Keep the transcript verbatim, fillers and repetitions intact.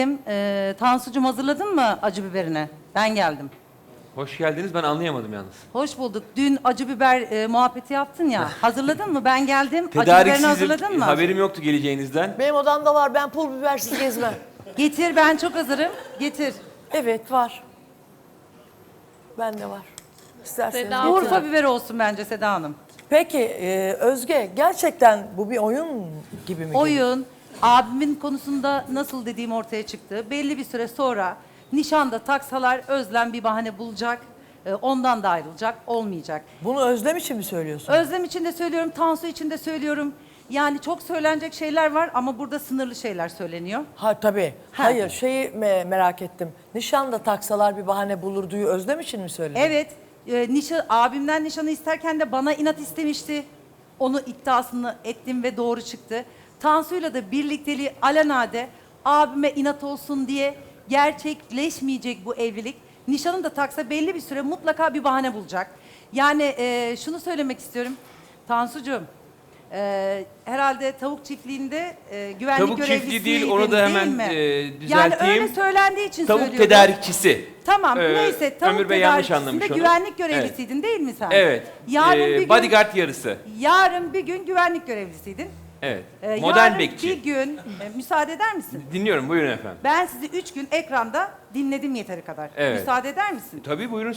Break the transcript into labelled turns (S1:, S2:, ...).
S1: Ee, Tansucuğum hazırladın mı acı biberini? Ben geldim.
S2: Hoş geldiniz. Ben anlayamadım yalnız.
S1: Hoş bulduk. Dün acı biber e, muhabbeti yaptın ya. Hazırladın mı? Ben geldim. Acı biberini
S2: Tedariksizim.
S1: hazırladın mı?
S2: Haberim yoktu geleceğinizden.
S3: Benim odamda var. Ben pul bibersiz gezmem.
S1: Getir, ben çok hazırım. Getir.
S3: Evet var. Bende var. İsterseniz
S4: Seda
S3: getirin.
S1: Urfa biberi olsun bence Seda Hanım.
S3: Peki e, Özge gerçekten bu bir oyun gibi mi? geliyor?
S1: Oyun, abimin konusunda nasıl dediğim ortaya çıktı. Belli bir süre sonra nişanda taksalar Özlem bir bahane bulacak. E, ondan da ayrılacak. Olmayacak.
S3: Bunu Özlem için mi söylüyorsun?
S1: Özlem için de söylüyorum, Tansu için de söylüyorum. Yani çok söylenecek şeyler var ama burada sınırlı şeyler söyleniyor.
S3: Ha tabii.
S1: Ha.
S3: Hayır şeyi me- merak ettim. Nişanda taksalar bir bahane bulurduyu Özlem için mi söyledin?
S1: Evet, e, nişan, abimden nişanı isterken de bana inat istemişti. Onu iddiasını ettim ve doğru çıktı. Tansu'yla da birlikteliği alenade abime inat olsun diye gerçekleşmeyecek bu evlilik. Nişanı da taksa belli bir süre mutlaka bir bahane bulacak. Yani e, şunu söylemek istiyorum. Tansucuğum, e, herhalde tavuk çiftliğinde e, güvenlik
S2: Tavuk
S1: görevlisiydin,
S2: çiftliği değil, onu da hemen,
S1: mi?
S2: e,
S1: Yani
S2: düzelteyim.
S1: öyle söylendiği için
S2: Tavuk
S1: söylüyorum.
S2: tedarikçisi.
S1: Tamam
S2: Ee,
S1: neyse tavuk
S2: Ömür Bey yanlış
S1: tedarikçisinde
S2: anlamış onu.
S1: güvenlik görevlisiydin değil mi sen?
S2: Evet.
S1: Yarın
S2: Ee,
S1: bir gün,
S2: bodyguard yarısı.
S1: yarın bir gün güvenlik görevlisiydin.
S2: Evet.
S1: Ee,
S2: Modern
S1: yarın
S2: bekçi.
S1: bir gün e, müsaade eder misin?
S2: Dinliyorum, buyurun efendim.
S1: Ben sizi üç gün ekranda dinledim yeteri kadar.
S2: Evet.
S1: Müsaade eder misin?
S2: Tabii buyurun.